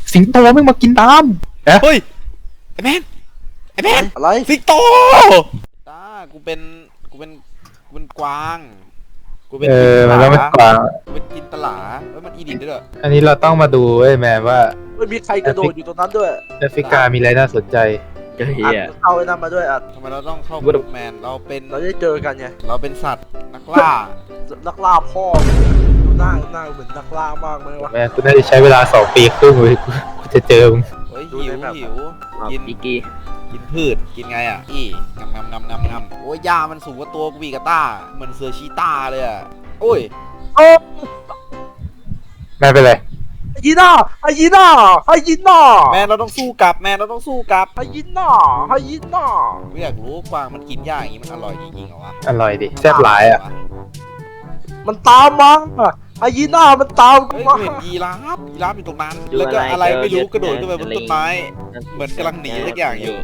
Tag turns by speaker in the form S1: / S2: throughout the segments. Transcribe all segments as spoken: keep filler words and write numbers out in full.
S1: สิงโตไม่มากินตาม
S2: เฮ้ยไอ้แมนไอ้แมน
S3: อะไร
S2: สิงโตตากูเป็นกูเป็นกูเป็นกวางกูเป็น
S1: เออมันก็ไม่กวาง
S2: กูเป็นจินตลาเฮ้ยมันอีดิทด้วยเหรอ
S1: อันนี้เราต้องมาดูเว้ยแมนว่า
S3: ไม่มีใครกระโดดอยู่ตรงนั้นด้วย
S1: แอฟริกามีอะไรน่าสนใจ
S4: เฮี
S3: อัด
S4: ย
S3: เข้าไอ้นั่นมาด้วยอัด
S2: ทำไมเราต้องเข้า
S4: กู
S2: กลุ่มแมนเราเป็น
S3: เราได้เจอกันไง
S2: เราเป็นสัตว์นักล่า
S3: นักล่าพ่อดูหน้าหน้าเหมือนนักล่ามากไหมวะ
S1: แมนกูน่าจะใช้เวลาสองปีครึ่งเลยกูกูจะเจอมึง
S2: เฮ้ย
S3: ดู
S2: หิ
S3: ใน
S2: ว
S3: แบบ
S2: หิว
S4: กิ
S2: กิ
S4: น
S2: น
S4: อีกี้
S2: กินพืชกินไงอ่ะอีงำงำงำงำงำโอ้ยยามันสูงกว่าตัวกูอีกอะต้าเหมือนเสือชีต้าเลยอ่ะโอ้ย
S3: โอ้
S1: แมนเป็นไร
S3: ไอ้ยีน่าไอ้ยีน่าไอ้ยีน่า
S2: แมนเราต้องสู้กลับแมนเราต้องสู้กลับ
S3: ไอ้ยีน่าไอ้ยีน่า
S2: กูอยากรู้กวางมันกินหญ้าอย่างงี้มันอร่อยจริงๆเหรอวะ
S1: อร่อยดิแซ่บหลายอ่ะ
S3: มันตามมาไอ้ยีน่ามันตามกู
S2: เฮ้ย
S3: มา
S2: กูเห็นยีราฟยีราฟอยู่ตรงนั้นแล้วก็อะไรไม่รู้กระโดดขึ้นไปบนต้นไม้เหมือนกำลังหนีสักอย่างอยู่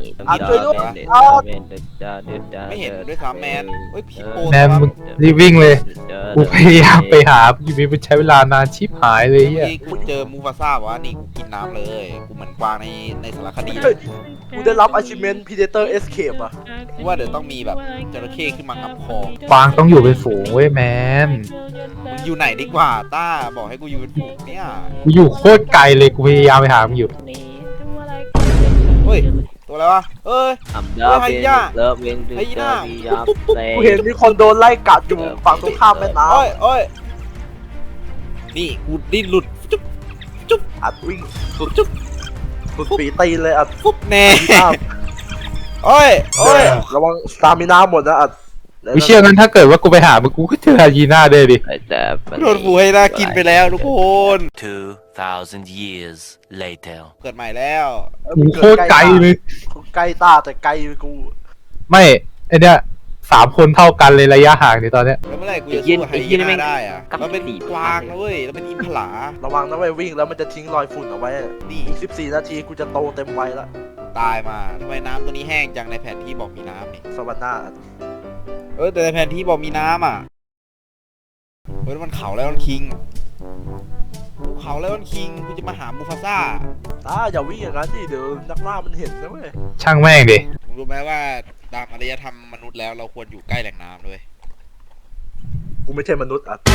S2: ไม่เห็นด้วยซ้ำแมนเฮ้ยพี่โป
S1: แมนมึงรีบวิ่งเลยกูพยายามไปหาอยู่มีมันใช้เวลานานชิบหายเลย
S2: เมื่
S1: เฮี
S2: อย กี้กูเจอมูฟาซ่าบอกว่านี่กูกินน้ำเลยกูเหมือนกวางในในสารคดีเล
S3: เฮ้ย
S2: ย
S3: กูได้รับ achievement predator escape อ่ะ
S2: กูว่าเดี๋ยวต้องมีแบบจระเข้ขึ้นมางับคอก
S1: วางต้องอยู่เป็นฝูงเว้ยแมน
S2: มึงอยู่ไหนดีกว่าต้าบอกให้กูอยู่เป็นฝูงเนี่ย
S1: กูอยู่โคตรไกลเลยกูพยายามไปหามึงอยู่
S2: เฮ้ยตัวอะไรวะเอ้ย
S4: อัมดาเบนเลิฟเวนดู
S2: ไอ้หน้า
S4: ยับเ
S3: กูเห็นมีคนโดนไล่กัดอยู่ฝั่งตรงข้ามแม่น้
S2: โอ้ยโอ้ยนี่กูดิ้นหลุดจุ๊บจุ๊บ
S3: ำอัดวิ่ง
S2: จุ๊บจุ๊บ
S3: สุดปีตีนเลยอัด
S2: ฟุบแน่
S3: ยีน่า
S2: โอ้ยโอ้ย
S3: ระวังสตามินาหมดนะอัด
S1: วิเชื่องั้นถ้าเกิดว่ากูไปหามึงกูก็เจอยีน่าได้ดิ
S4: แต่
S2: โดนปูให้น่ากินไปแล้วทุกคน
S5: Two thousand years later.
S2: เกิดใหม่แล้ว
S1: กูโคตรไกลเลย
S3: ใกล้ตาแต่ไกลกู
S1: ไม่ไอเนี้ยสามคนเท่ากันเลยระยะห่างในตอนเนี้ย
S2: แล้วเมื่อไหร่กูจะสู้กับไฮยีน่าได้อะเราเป็นกวางนะเว้ยเราเป็นอิมพลา
S3: ระวังนะเว้ยวิ่งแล้วมันจะทิ้งรอยฝุ่นเอาไว้
S2: นี่
S3: อีกสิบสี่นาทีกูจะโตเต็มวัยละ
S2: ตายมาทำไมน้ำตัวนี้แห้งจังในแผนที่บอกมีน้ำนี่
S3: สวรรค์หน้า
S2: เออแต่ในแผนที่บอกมีน้ำอ่ะเฮ้ยมันเขาแล้วมันคิงภูเขาแล้วมันคิงกูจะมาหามูฟาซ่า
S3: ตาอย่าวิ่งอย่างนั้นดิเดี๋ยวนักล่ามันเห็นนะเว้ย
S1: ช่างแม่งดิ
S2: มึงรู้ไหมว่าตามอารยธรรมมนุษย์แล้วเราควรอยู่ใกล้แหล่งน้ำด้วย
S3: กูไม่ใช่มนุษย์อ่ะ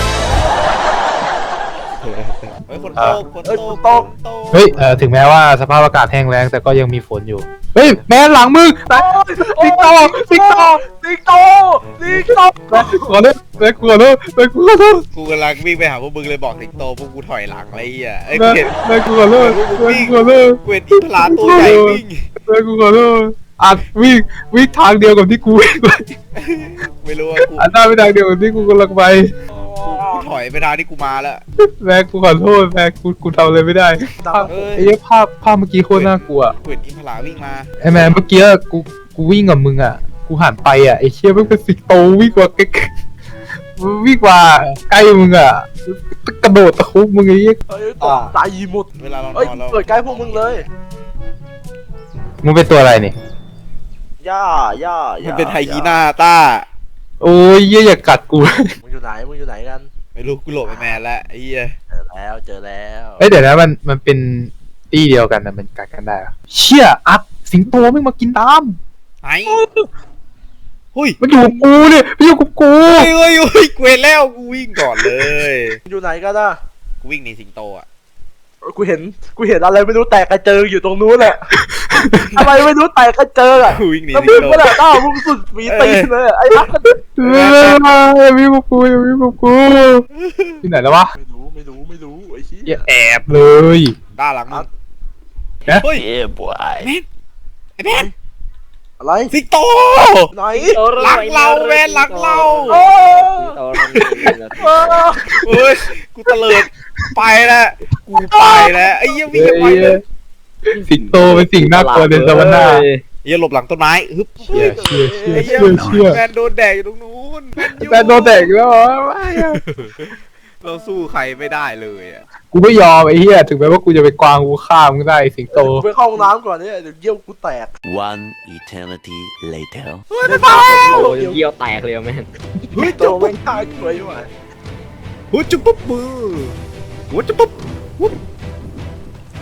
S2: เฮ้ยฝนตกฝน
S3: เอ้ย
S2: ต
S3: ฝ
S2: ก
S3: นตก
S2: ฝนตก
S1: เฮ้ยเออถึงแม้ว่าสภาพอากาศแห้งแล้งแต่ก็ยังมีฝนอยู่เฮ้ยแม่หลังมึงแม่
S3: สิงโตสิงโตสิงโตสิงโต
S1: ขอโทษแม่กลัวโทษแม่กลัวโทษ
S2: กูกำลังวิ่งไปหาพวกมึงเลยบอกสิงโตพวกกูถอยหลังอะไรเงี้ยไอ้
S1: แม่
S2: เห็น
S1: แม่กลัวโทษแม่กลัวโทษ
S2: กูเห็นอิมพลาตัวใหญ่วิ่ง
S1: แม่กลัวโทษอัดวิ่งวิ่งทางเดียวกับที่กูวิ่งไป
S2: ไม่รู้ว่ากู
S1: อันหน้าไปทางเดียวกับที่กูกำลังไป
S2: กูถอยไปทางที่กูมาแล้ว
S1: แม่กูขอโทษแม่กูกูทำอะไรไม่ได้ภาพ
S2: เอ้ย
S1: ไอ้ภาพภาพเมื่อกี้โคตรน่ากลัว
S2: กูเห็นอิมพลาวิ่งมา
S1: ไอ้แม่เมื่อกี้กูกูวิ่งกับมึงอ่ะกูหันไปอ่ะไอ้เชี่ยมันเป็นสิงโตวิ่งกว่าใกล้วิ่งกว่าใกล้มึงอ่ะกระโดดตะคุบมึงไอ้เหี้ย
S3: เฮ้ยตกใจหมด
S2: เวลาเราน
S3: เฮ้ย
S2: อนเรา
S3: เกิดใกล้พวกมึงเลย
S1: มึงเป็นตัวอะไรนี่
S3: ย่าย่า
S2: มั
S3: ย่าน
S2: เป็นไฮยีน่าต้า
S1: โอ้ยเหี้ยอย่ากัดกู
S3: มึงอยู่ไหนมึงอยู่ไหนกัน
S2: ไม่รู้กูโหลบไปแมนแล้วไอ้เหี้ย
S3: เจอแล้วเจอแล้ว
S1: เอ้ยเดี๋ยวนะมันมันเป็นตี้เดียวกันนะมันกัดกันได้เหรอเชี่ยอัพสิงโตไม่มากินตาม
S2: ไอ้หุ้ย
S1: มันอยู่กับกูเนี่ยมันอยู่กับกู
S2: เฮ้ยเฮ้ยเฮ้ยกูเห็นแล้วกูวิ่งก่อนเลย
S3: มึงอยู่ไหนกันนะ
S2: กูวิ่งหนีสิงโตอ่ะ
S3: กูเห็นกูเห็นอะไรไม่รู้แตกกระเจิงอยู่ตรงนู้นแหละ อะไรไม่รู้แตกกระเจิงอ่ะ
S2: กูวิ่งหนี
S3: แล้ว
S2: สิ
S3: มึ
S2: ง
S3: ง
S2: โต
S3: ก็แหละต้ามึงสุดฝีตีนเลยไอ้นัก
S1: เอออย่าวิ่งกับกูอย่าวิ่งกับกูที่ไหนแล้ววะ
S3: ไม่รู้ไม่รู้ไม่รู้ไอ้ชี้
S1: อย่าแอบเลย
S2: ด้านหลังมึง
S1: นะ
S2: เฮ้ย
S5: Yeah, boy.
S2: ไอ้แมน
S3: อะไร
S2: สิงโต
S3: ไหน
S2: หลังเราแมนหลังเรา
S3: โอ้
S2: เฮ้ยกูเตลิดไปแล้วกูไปแล้วไอ้เหี้ยวิ่งไปเลย
S1: สิงโตเป็นสิ่งน่ากลัวในสวรรค์
S2: เหี้ยหลบหลังต้นไม้ฮึบ
S1: เชี่ยเชี่ยเชี่ย
S2: ไอ้เหี้ย
S1: เชี่ยเชี่ย
S2: แมนโดนแดกอยู่ตรงนู้น
S1: แต่โดนแตกแล้วเหรอไม่อะ
S2: เราสู้ใครไม่ได้เลยอ่ะ
S1: กูไม่ยอมไอ้เหี้ยถึงแม้ว่ากูจะไปกวางกูฆ่ามึงได้สิงโต
S3: กูไปเข้าห้องน้ำก่อนเนี่ยเดี๋ยวเยี่ยวกูแตก
S5: One eternity later.
S2: เฮ้ยไม่ไปแล้ว
S4: โอ้ยเยี่ยวแตกเลยแม่ง
S2: เฮ้ย
S3: โต
S2: จุ๊บ
S3: ไม่ฆ่ากูเลยว่ะ
S2: หัวจุ๊บปุ๊บมือหัวจุ๊บปุ๊บวุ๊บ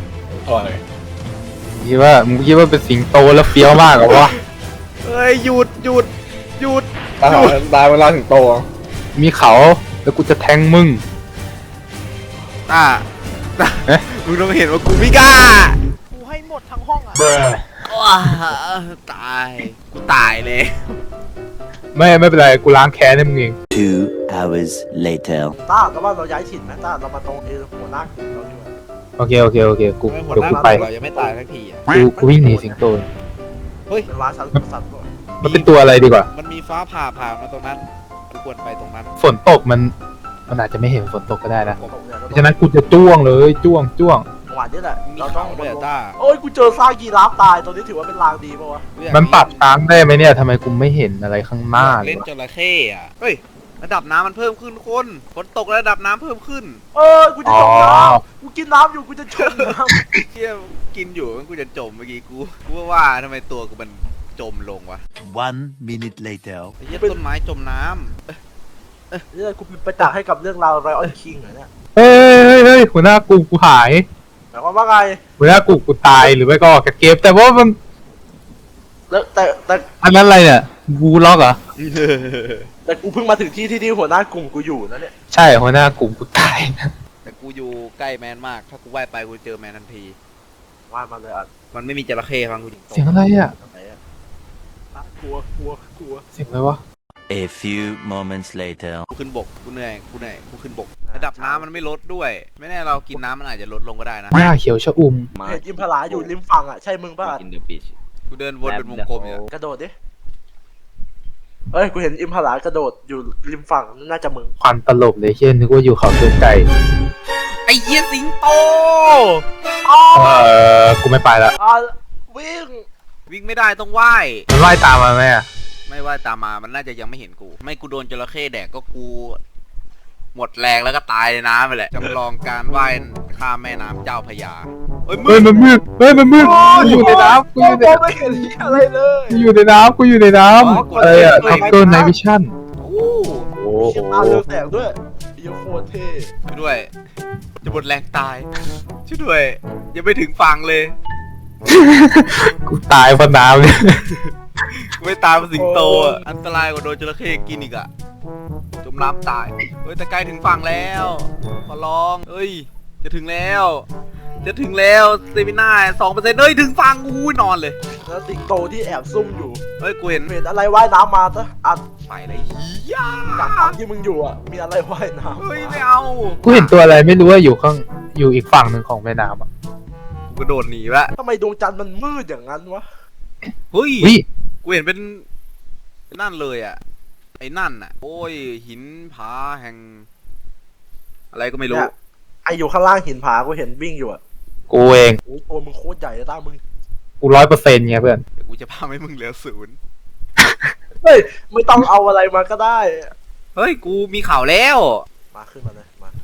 S3: อะไร
S1: คิดว่ามึงคิดว่าเป็นสิงโตแล้วเฟี้ยวมากเหรอวะ
S2: เฮ้ยหยุดหยุดหยุด
S3: ตายตายเวลาถึงโต
S1: มีเขาแล้วกูจะแทงมึง
S2: อ่ะ
S1: เอ๊ะ
S2: มึงต้องเห็นว่ากูไม่กล้า
S3: กูให้หมดทั้งห้องอ่ะ
S2: ว้าตายกูตายเลย
S1: ไม่ไม่เป็นไรกูล้างแค้นให้มึงเอง
S5: Two hours later.
S3: ต้าแต่ว่าเราย้ายถิ่นไหมต้าเรามาตรงเอหัวหน้ากลุ่มเราดีกว่า
S1: โอเคโอเคโอเคกู
S2: ไม่หมด
S1: เดี๋ยว
S2: หน้า
S1: กูไป
S2: เรายังไม่ตายสักทีอ่ะ
S1: กูกูวิ่งหนีสิงโต
S2: เฮ้ย
S3: เป็นร้านชั้นสัตว์ก่อน
S1: มันเป็นตัวอะไรดีกว่า
S2: มันมีฟ้าผ่าผ่ามาตรงนั้นกูควรไปตรงนั้น
S1: ฝนตกมันมันอาจจะไม่เห็นฝนตกก็ได้นะ
S3: ผมเนี่ยเรา
S1: เพ
S3: ต้อง
S1: ราะฉะนั้นกูจะจ้วงเลยจ้วงจ้วง
S3: จังหวะนี้แหละ
S2: มี
S3: เราต้อ
S2: เขา
S3: ง
S2: ด้วยอะต้า
S3: โอ้ยกูเจอซากยีราฟตายตัวนี้ถือว่าเป็นลางดีป่าวะ
S2: กูอยาก
S1: มันปรับช้างได้ไหมเนี่ยทำไมกูไม่เห็นอะไรข้างหน้าเล
S2: เล่
S1: ย
S2: น
S1: วะ
S2: จระเข้อะเฮ้ยระดับน้ำมันเพิ่มขึ้นคนฝนตกแล้วระดับน้ำเพิ่มขึ้น
S3: เออกูจะจมน้ำกูกินน้ำอยู่กูจะจมน้ำ
S2: เที่ยกินอยู่มันกูจะจมเมื่อกี้กูกูว่าว่าทำไมตัวกูมันจมลงวะ
S5: One minute later.
S2: ไอ้เหี้ยต้นไม้จมน้ำ
S3: เนี่ยกูเป็นประจักษ์ให้กับเรื่องราวไรออนคิงเหรอเนี่ย
S1: เฮ้ยเฮ้ยเฮ้ยหัวหน้ากูกูหาย
S3: หมายความว่าไง
S1: หัวหน้ากูกูตายหรือไม่ก็ออกจากเกมแต่ว่ามัน
S3: แล้วแต่แต่
S1: อันนั้นอะไรเนี่ยบูล็อกเหรอ
S3: แต่กูเพิ่งมาถึงที่ที่ที่หัวหน้ากลุ่มกูอยู่นะเนี่ย
S1: ใช่หัวหน้ากลุ่มกูตายนะ
S2: แต่กูอยู่ใกล้แมนมาก ถ้ากูว่ายไปกูเจอแมนทันที
S3: ว่ามาเลยอ่ะ
S2: มันไม่มีจระเข้ฟังกูจริง
S1: เสียงอะไรอ่ะ
S3: ไหนอะอ่ะกลัวกลัวกลัว
S1: เสียงอะไรวะ
S5: A few moments later.
S2: กูขึ้นบกกูเหนื่อยกูเหนื่อยกูขึ้นบกระดับน้ำมันไม่ลดด้วย ไม่แน่เรากินน้ำมันอาจจะลดลงก็ได้นะ
S1: หน้าเขียวชะอุ่ม
S3: เห็นอิมพลาอยู่ริมฝั่งอ่ะใช่มึงป่ะ
S4: in the beach
S2: กูเดินวนเป็นวงกลมอยู่
S3: กระโดดดิเอ้ยกูเห็นอิมพลากระโดดอยู่ริมฝั่งน่าจะมึง
S1: ควันตลบเลยเช่นนึกว่าอยู่เขาตัวไก่
S2: ไอ้เหี้ยสิงโต
S1: เออกูไม่ไปละ
S3: อ่ะวิ่ง
S2: วิ่งไม่ได้ต้องว่าย
S1: มันว่ายตามมาไหมอ่ะ
S2: ไม่ว่ายตามมามันน่าจะยังไม่เห็นกู ไม่กูโดนจระเข้แดกก็กู หมดแรงแล้วก็ตายในน้ำไปแหละจำลองการว่ายข้ามแม่น้ำเจ้าพระยาเฮ้ยมึ
S1: เฮ้ย
S2: ง
S1: มันมืดเฮ้ยมันมืดกูอยู่ในน้ำกูอยู่ใน
S3: มอง
S1: น้ำ
S3: ไม่เห็นอะไรเลย
S1: กูอยู่ในน้ำกูอยู่ในน้ำอะไรอ่ะท็อปเกิร์ไนวิชั่น
S2: โอ้
S1: โอ้
S3: เชี่ยตาเรืองแสงด้วยเยี่ยโคตรเท่
S2: ช่วยด้วย จะหมดแรงตาย ช่วยด้วย ยังไม่ถึงฝั่งเลย
S1: กูตายเพราะน้ำเนี่ย
S2: กูไม่ตามสิงโตอ่ะ อันตรายกว่าโดนจระเข้กินอีกอ่ะ จมน้ำตาย เฮ้ยแต่ใกล้ถึงฝั่งแล้ว ขอร้อง เฮ้ย จะถึงแล้ว จะถึงแล้วเซมิน่าสองเปอร์เซ็นต์เฮ้ย ถึงฝั่งกูนอนเลย
S3: แล้วสิงโตที่แอบซุ่มอยู่
S2: เฮ้ย กูเห็น
S3: เห็นอะไรว่ายน้ำมาซะอัด
S2: ไปเลยเฮีย
S3: จากฝั่งที่มึงอยู่อ่ะมีอะไรว่ายน้ำ
S2: เฮ้ย ไม่เอา
S1: กูเห็นตัวอะไรไม่รู้ว่าอยู่ข้างอยู่อีกฝั่งหนึ่งของแม่น้ำอ่ะ
S2: กูกระโดดหนีละ
S3: ทำไมดวงจันทร์มันมืดอย่างนั้นวะ
S2: เฮ้ย
S1: วิ
S2: กูเห็นเป็นนั่นเลยอ่ะ ไอ้นั่นอ่ะ โอ้ย หินผาแห่ง อะไรก็ไม่รู้
S3: เนี่ยไออยู่ข้างล่างหินผากูเห็นวิ่งอยู่อ่ะ
S1: กูเอง
S3: โอ้ยตัวมึงโคตรใหญ่เลยตามึง
S1: กูร้อยเปอร์เซ็นต์ไงเพื่อน
S2: เดี๋ยวกูจะพาให้มึงเหลือศูนย์
S3: เฮ้ยไม่ต้องเอาอะไรมาก็ได้
S2: เฮ้ย กูมีข่าวแล้ว
S3: มาขึ้นมาเลยมา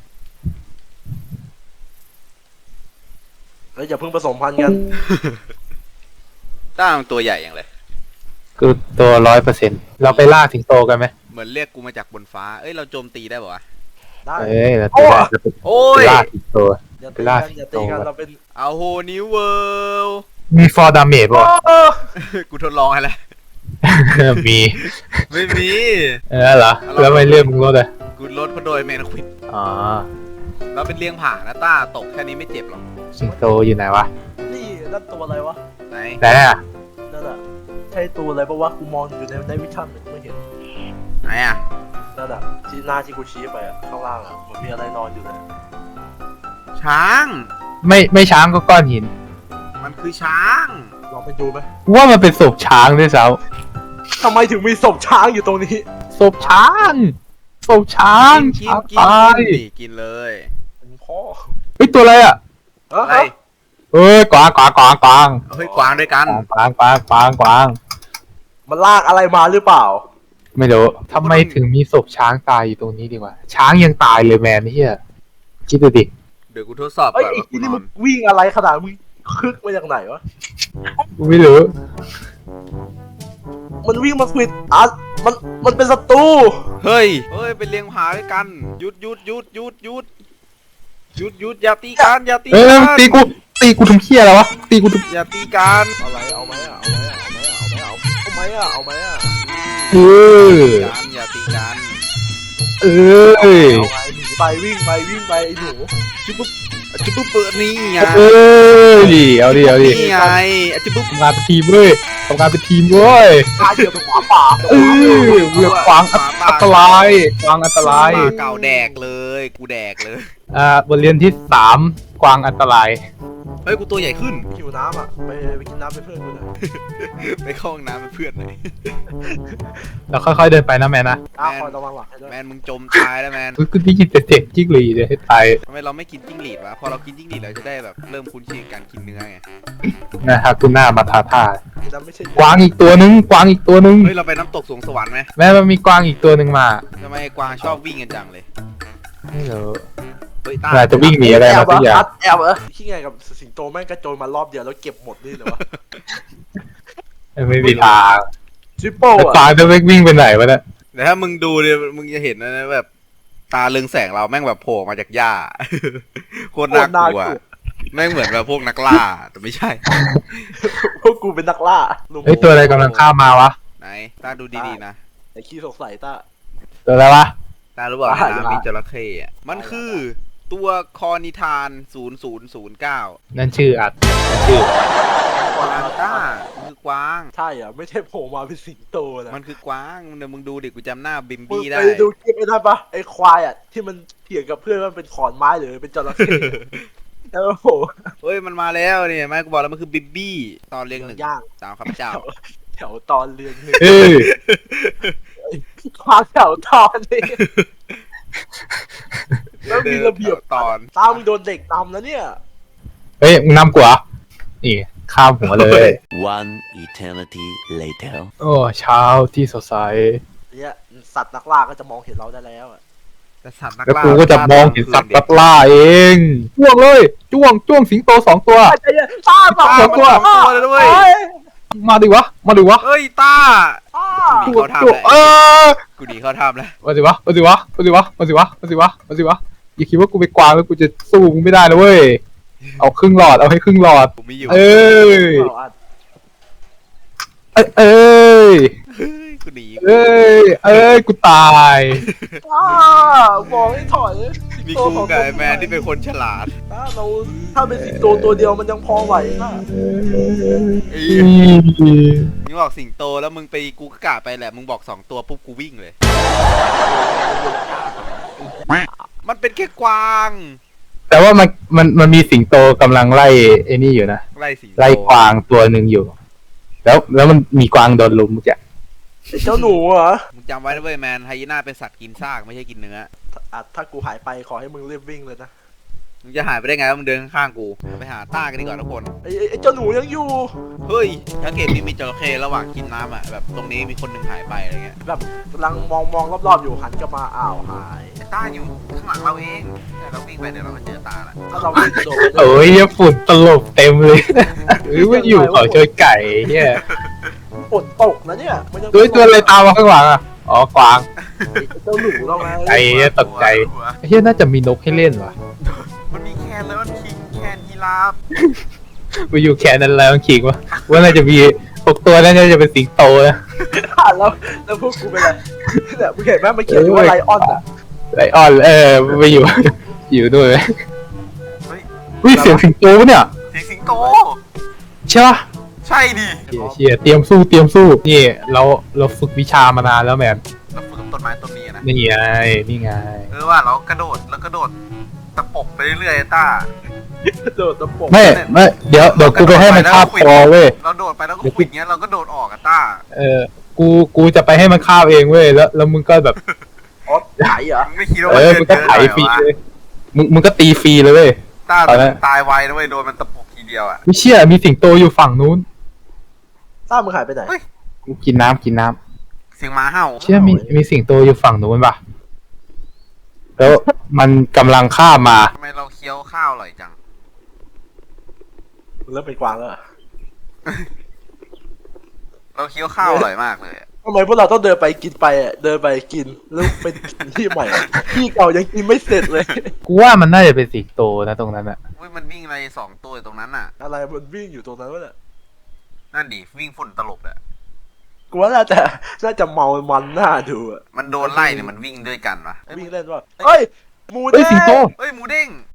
S3: เฮ้ยอย่าเพิ่งผสมพันธุ์กัน
S2: ตั้งตัวใหญ่อย่างเลย
S1: คือตัวร้อยเปอร์เซ็นต์เราไปล่าสิงโตกันไหม
S2: เหมือนเรียกกูมาจากบนฟ้า เอ้ย เราโจมตีได้ป่าวะ
S3: ได้
S1: เอ้ยเราไปล่าเราไป
S2: โอ้ย
S1: ล่าสิงโต
S3: อย่า
S1: ไป
S3: ตี
S1: ล่า
S3: กัน
S1: สิง
S3: อย่า
S1: โต
S3: ตีกันเราเป็น
S2: เอาโฮนิวเวิลด์
S1: มีฟอร์ดาเมจป่ะ
S3: เออ
S2: กูทดลองให้แล้ว
S1: มี
S2: ไม่มี
S1: เออเหรอแล้วไม่เลื่อนมึงรถเลย
S2: กูลดเพราะโดยแมนควิด
S1: อ๋อ
S2: เราเป็นเลี้ยงผ่านะต้า ตกแค่นี้ไม่เจ็บหรอก
S1: สิงโตอยู่ไหนวะ
S3: นี่นั่นตัวอะไรวะ
S2: ไหน
S1: ไหนอ่ะ
S3: นั่นอะใช่ตัวอะไรปะวะกูมองอยู่ในในวิชั่นแต่กูไม่เห็น
S2: ไหนอ่ะ
S3: นั่นอะที่หน้าที่กูชี้ไปอะข้างล่างอะมันมีอะไรนอนอยู่เลย
S2: ช้าง
S1: ไม่ไม่ช้างก็ก้อนหิน
S2: มันคือช้าง
S3: ลองไปดูไหม
S1: กูว่ามันเป็นศพช้างด้วยซ้
S3: ทำไมถึงมีศพช้างอยู่ตรงนี้
S1: ำศพช้างศพช้าง
S2: กิน
S1: ช้าง
S2: กิน
S1: ตาย
S2: กินดิกินเลย
S3: เป็นพ่อ
S1: เฮ้ยตัวอะไรอ่ะ
S3: เอ้
S2: อะไร
S3: ย
S1: เอ้ยกวางกวางกวางกวาง
S2: เฮ้ย กวางด้วยกัน
S1: กวางกวางกวางกวาง
S3: มันลากอะไรมาหรือเปล่า
S1: ไม่รู้ทำไมถึงมีศพช้างตายอยู่ตรงนี้ดีกว่า ช้างยังตายเลยแมนเฮียคิดดูดิ
S2: เดี๋ยวกูทดสอบ
S3: เอ้ย
S2: ก่อน
S3: ไอ้
S2: ว่ากู
S3: ที่
S2: น
S3: นี่
S2: อ
S3: มึ
S2: น
S3: งวิ่งอะไรขนาดมึงคึกมาจากไหนวะ
S1: กูไม่รู้
S3: มันวิ่งมาควิดอ่ะมันมันเป็นศัตรู
S2: เฮ้ย เฮ้ย เป็นเลี้ยงผาด้วยกันหยุดหยุดหยุดหยุดหยุดหยุดหยุดอย่าตีกันอย่าตี
S1: เอ้ย
S2: กัน
S1: ตีกูตีกูทำเหี้ยอะไรวะตีกูทำ
S2: อย่าตีกัน
S3: อะไรเอาไหมอ่ะเอาไหมอ่ะเอาไหมอ่ะเอาไหมอ่ะเอาไหมอ่ะ
S1: เออ
S2: กันอย่าตีกัน
S1: เออ
S3: เอาไงหนีไปวิ่งไปวิ่งไปไอ้หนู
S2: จุ๊บปุ๊บจุ๊บปุ๊บเปิดนี่ไง
S1: เออดิเอาดิเอาดิ
S2: นี่ไงจุ๊บปุ๊บ
S1: ทำงานเป็นทีมเว้ยทำงานเป็นทีมเว้ย
S3: ตาเดียวเป็นหมาป่า
S1: เออเวียขวางอันตรายกวางอันตราย
S2: มาเก่าแดกเลย กูแดกเลย
S1: อ่าบทเรียนที่สามกวางอันตราย
S2: เฮ้ย กูตัวใหญ่ขึ้น
S3: หิวน้ำอ่ะไปไปกินน้ำเป็นเพื่อนกูหน่อย
S2: ไปเข้าห้องน้ำเป็นเพื่อนหน่อย
S1: เราค่อยๆเดินไปนะแมนนะ
S3: ตาคอยระวังหลังให้ด้วย
S2: แมนมึงจมตายแล้วแมน
S1: กูกูได้ยินแต่เสียงจิ้งหรีดเลยให้ตาย
S2: ทำไมเราไม่กินจิ้งหรีดวะ พอเรากินจิ้งหรีดเราจะได้แบบเริ่มคุ้นชินกับการกินเนื้อไง
S1: นะครับคุณหน้ามาทาท่า
S3: กินน้ำไม่ใช่
S1: กวางอีกตัวนึงกวางอีกตัวนึง
S2: เฮ้ย เราไปน้ำตกสวงสวรรค์ไหม
S1: แม่มันมีกวางอีกตัวนึงมา
S2: ทำไมกวางชอบวิ่งกันจังเลย
S1: ไม่รู้
S2: เฮ้ยตา
S1: อาจจะวิ่งหนีอะไรมาสักอย่าง
S3: แอบเหรอขี้ไงกับสิงโตแม่งกระโจนมารอบเดียวแล้วเก็บหมดนี่เหรอวะ
S1: ไม่มีทาง
S3: จิปโป้
S1: แล้ว
S3: อะ
S1: กวางจะวิ่งไปไหนวะเนี่ย
S2: แต่ถ้ามึงดูเนี่ยมึงจะเห็นนะแบบตาเรืองแสงเราแม่งแบบโผล่มาจากหญ้า โคตรน่ากลัว แม่งเหมือนแบบพวกนักล่า แต่ไม่ใช่
S3: พวกกูเป็นนักล่าลุง
S1: เฮ้ยตัวอะไรกำลังข้ามมาวะ
S2: ไหนตาดูดีๆนะ
S3: ไอ้ขี้สงสัยตา
S1: ตัวอะไรวะ
S2: ตารู้เปล่า
S3: อ่า
S2: ในน้ำมีจระเข้อะมันคือตัวคอนิทานศูนย์ศูนย์ศูนย์เก้า
S1: นั่นชื่ออัดนั่นชื่อก
S2: วางต้ามันคือกวาง
S3: ใช่เหรอไม่ใช่โผล่มาเป็นสิงโตนะ
S2: มันคือกวางเดี๋ยวมึงดูดิกูจำหน้าบิม
S3: มึง
S2: บี้ได้
S3: ไปดูคลิปไอ้นั่นปะไอ้ควายอ่ะที่มันเถียงกับเพื่อนว่ามันเป็นขอนไม้หรือเป็นจระเข้แล้วโอ้โห
S2: เฮ้ยมันมาแล้วเนี่ยแม่กูบอกแล้วมันคือบิมบี้ตอนเรียงหนึ่ง
S3: ย่าง
S2: ตามข้าพเจ้า
S3: แถวตอนเรียนหนึ่ง
S1: เอ้ย
S3: ควางแถวตอนนี่แล้วมีระเบียบ
S2: ตอน
S3: ตามึงโดนเด็กตำแล้วเนี่ย
S1: เฮ้ยมึงนำกูเหรอนี่ข้ามหัวเลย
S5: One eternity later.
S1: โอ้เช้าที่สดใส
S3: เนี่ยสัตว์นักล่าก็จะมองเห็นเราได้แล้วอะ
S2: แต่สัตว์นัก
S1: แล้ว
S2: ล่า
S1: กูก็จะมองเห็นสัตว์นักล่าเองจ้วงเลยจ้วงจ้วงสิงโตสองตัว
S3: ใจเย็นตาสอง
S2: ตา
S3: ตัว
S2: มันสองตัวเลยด้วย
S3: เฮ้ย
S1: มาดิวะมาดิวะ
S2: เฮ้ยตา
S3: ตา
S2: กูหนีเข้าถ้ำ
S1: จ้วง
S2: แล้ว
S1: เออ
S2: กูหนีเข้าถ้ำแล้ว
S1: มาสิวะมาสิวะมาสิวะมาสิวะมาสิวะมาสิวะอย่าคิดว่ากูไปกวางแล้วกูจะสู้มึงไม่ได้นะเว้ยเอาครึ่งหลอดเอาให้ครึ่งหลอด
S2: กูไม่อยู่
S1: เอ้ย
S3: เอาอัด
S1: เอ้ยเอ้ย
S2: เฮ้ยกูหนี
S1: เอ้ยเอ้ยกูตาย
S3: อ้ามองให้ถอย
S2: มีกูกับไอ้แมนที่เป็นคนฉลาด
S3: ถ้าเราถ้าเป็นสิงโตตัวเดียวมันยังพอไหวนะ
S2: ไอ้
S1: อืม
S2: มึงบอกสิงโตแล้วมึงไปกูก็กะไปแหละมึงบอกสองตัวปุ๊บกูวิ่งเลย มันเป็นแค่กวาง
S1: แต่ว่ามันมันมันมีสิงโตกำลังไล่ไอ้นี่อยู่นะ
S2: ไล่สิงโต
S1: ไล่กวางตัวหนึ่งอยู่ แล้วแล้วมันมีกวางโดนลุมเมื่อกี้
S3: ไอ้เจ้าหนูเหรอ
S2: มึงจำไว้นะเว้ยแมนไฮยีน่าเป็นสัตว์กินซากไม่ใช่กินเนื้อ
S3: อ่ะถ้ากูหายไปขอให้มึงรีบวิ่งเลยนะ
S2: มึงจะหายไปได้ไงว่ามึงเดินข้างๆกูไปหาต้ากันดีกว่าทุกคน
S3: ไอ้ไอ้ไอ้เจ้าหนูยังอยู่
S2: เฮ้ยถ้าเกมนี้มีจระเข้ระหว่างกินน้ำอ่ะแบบตรงนี้มีคนหนึ่งหายไปอะไรเงี้ย
S3: แบบกำลังมองมองรอบๆอยู่หันกลับมาอ้าวหาย
S2: ต้าอยู่ข้างหลังเราเองเดี๋ยวเราวิ่งไปเดี๋ยวเราก็เจอตาละ
S3: ถ้าเราวิ่งโดด
S1: โอ้ยฝุ่นตลบเต็มเลยหรือว่าอยู่เขาเชยไก่เนี่ย
S3: ฝนตกนะเนี่ยมันยัง
S1: ตัวตัวอะไรตามมาข้างหลังอ่ะอ๋อกวาง
S3: ไอ้เจ้าหนูเราไง
S1: ไอ้เนี่ยตกใจเฮียน่าจะมีนกให้เล่นว่ะ
S2: มันมีแคนแล้วมันคิงแคนยีราฟ
S1: ไปอยู่แค่นั้นแล้วคิงวะว่าน่าจะมีพวกตัวนั้นน่าจะเป็นสิงโตนะ
S3: แล้วแล้วพวกกูเป็นอะไรเนี่ยมึงเห็นไหมมันเขียนอยู่ว่าไลออนอ่ะ
S1: ไลออนเออไปอยู่ อยู่ด้วย
S2: เฮ้ย
S1: วิเสียงสิงโตปะเนี่ย
S2: เสียงสิงโต
S1: ใช่ปะ
S2: ใช่ดิ
S1: เชี่ยเชี่ยเตรียมสู้เตรียมสู้นี่เราเราฝึกวิชามานานแล้วแมน
S2: เราฝึกกับต้นไม้ต้นนี้นะ
S1: นี่ไงนี่ไง
S2: เออว่าเรากระโดดแล้วกระโดดตะปบไปเรื่อยๆต้า
S3: โดดตะปบ
S1: ไม่ไม่เดี๋ยวเดี๋ยวกูไปให้มันคาบคอเว้ย
S2: เราโดดไปแล้วก็ขวิดเงี้ยเราก็โดดออกอะต้า
S1: เออกูกูจะไปให้มันคาบเองเว้ยแล้วแล้วมึงก็แบบ
S3: อ๋อไหนเหรอ
S2: มึงไม่คิดว่า
S1: เอ
S2: มัน
S1: อ
S2: เดิ
S1: มึ
S2: น
S1: งก็
S2: เยอะ
S1: ไถ
S2: หน่อย
S1: ฟรี
S2: วะ
S1: เลยมึงมึงก็ตีฟรีเลยเว้ย
S2: ต้า
S1: ตอนนั้น
S2: ตายไวนะเว้ยโดนมันตะปบทีเดียวอะ
S1: ไม่เชื่อมีสิงโตอยู่ฝั่งนู้น
S3: ต้ามึงหายไปไหน
S1: กูกินน้ำกินน้ำ
S2: เสียงหมาเห่า
S1: เชื่อมีมีสิงโตอยู่ฝั่งนู้นปะแล้วมันกำลังข้ามมา
S2: ทำไมเราเคี้ยวข้าวอร่อยจัง
S3: มึงเริ่มเป็นกวางแล้วเหรอ
S2: เราเคี้ยวข้าวอร่อยมากเลยอะ
S3: ทำไมพวกเราต้องเดินไปกินไปอ่ะเดินไปกินแล้วเป็นกินที่ใหม่อะที่เก่ายังกินไม่เสร็จเลย
S1: กูว่ามันน่าจะเป็นสิงโตนะตรงนั้นอะ
S2: เว้ยยมันวิ่งอะไรสองตัวอยู่ตรงนั้นน่ะ
S3: อะไรมันวิ่งอยู่ตรงนั้นวะเนี่ย
S2: นั่นดิวิ่งฝุ่นตลบอะ
S3: กูว่าน่าจะน่าจะเมามันหน้าดูอะ
S2: มันโดนไล่เนี่ยมันวิ่งด้วยกันวะเอ้ย
S3: วิ่งเล่นว่าเฮ้ยหมู
S1: เฮ้
S3: เด้
S1: ยสิงโต
S3: ง
S2: เฮ้ยหมูเด้ง